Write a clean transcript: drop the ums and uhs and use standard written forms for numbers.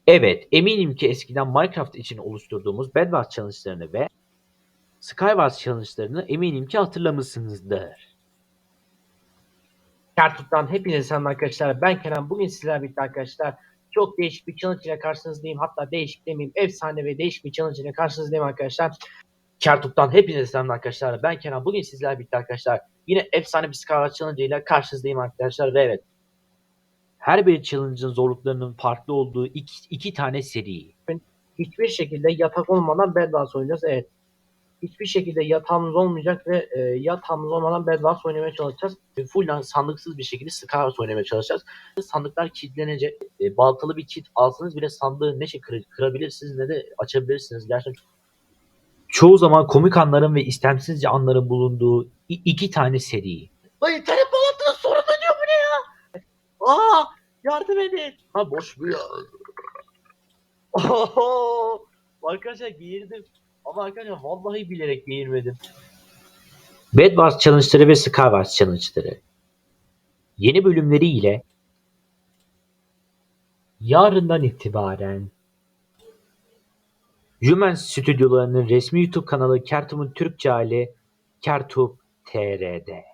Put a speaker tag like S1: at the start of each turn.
S1: Evet, eminim ki eskiden Minecraft için oluşturduğumuz Bedwars challenge'larını ve Skywars challenge'larını eminim ki hatırlamışsınızdır.
S2: Kertut'tan hepinize selam arkadaşlar. Ben Kenan. Bugün sizlerle birlikte arkadaşlar çok değişik bir challenge ile karşınızdayım. Hatta değişik demeyeyim, efsane ve değişik bir challenge ile karşınızdayım arkadaşlar. Kertut'tan hepinize selam arkadaşlar. Ben Kenan. Bugün sizlerle birlikte arkadaşlar yine efsane bir Skywars challenge ile karşınızdayım arkadaşlar. Ve evet,
S1: Her bir challenge'ın zorluklarının farklı olduğu iki tane seri.
S2: hiçbir şekilde yatak olmadan Bedwars oynayacağız. Evet. Hiçbir şekilde yatağımız olmayacak ve yatağımız olmadan Bedwars oynamaya çalışacağız. Full sandıksız bir şekilde Skywars oynamaya çalışacağız. Sandıklar kilitlenecek. Baltalı bir kit alsanız bile sandığı ne kırabilirsiniz ne de açabilirsiniz. Gerçekten
S1: Çoğu zaman komik anların ve istemsizce anların bulunduğu iki tane seri.
S2: ay internet bağlantının sorun ediyor bu ne ya? Aa, yardım edin. Ha boş bu ya. Oho! Arkadaşlar geğirdim. Ama arkadaşlar vallahi bilerek geğirmedim.
S1: Bedwars challenge'ları ve Skywars challenge'ları. Yeni bölümleriyle yarından itibaren Jumen stüdyolarının resmi YouTube kanalı Kertum'un Türkçe hali Kertum TR'de.